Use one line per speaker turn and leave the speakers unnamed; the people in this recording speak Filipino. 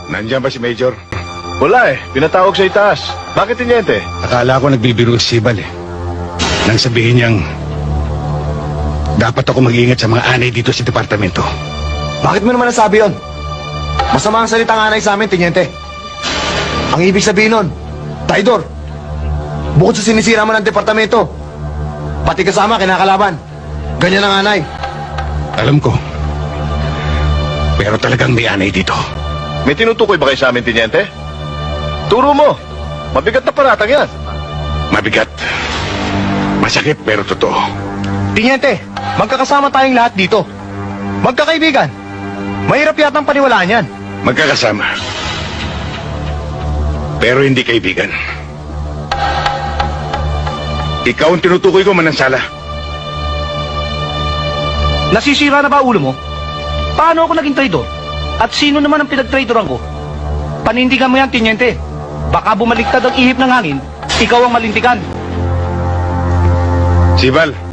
Nandiyan ba si Major?
Wala eh. Pinatawag sa itaas. Bakit, Tiniente?
Akala ko nagbibiro si Sibal eh. Nang sabihin niyang dapat ako mag-iingat sa mga anay dito sa departamento.
Bakit mo naman nasabi yun? Masama ang salita ng anay sa amin, Tiniente. Ang ibig sabihin nun, traidor. Bukod sa sinisira mo ng departamento, pati kasama kinakalaban. Ganyan ang anay.
Alam ko. Pero talagang may anay dito.
May tinutukoy ba kayo sa amin, Tiniente? Turo mo. Mabigat na paratang yan.
Mabigat. Masakit pero totoo.
Tiniente, magkakasama tayong lahat dito. Magkakaibigan. Mahirap yatang paniwalaan yan.
Magkakasama. Pero hindi kaibigan. Ikaw ang tinutukoy ko, Manansala.
Nasisira na ba ulo mo? Paano ako naging traidor? At sino naman ang pinag-traidoran ko? Panindigan mo yan, Tiniente. Baka bumaliktad ang ihip ng hangin, ikaw ang malintikan.
Sibal,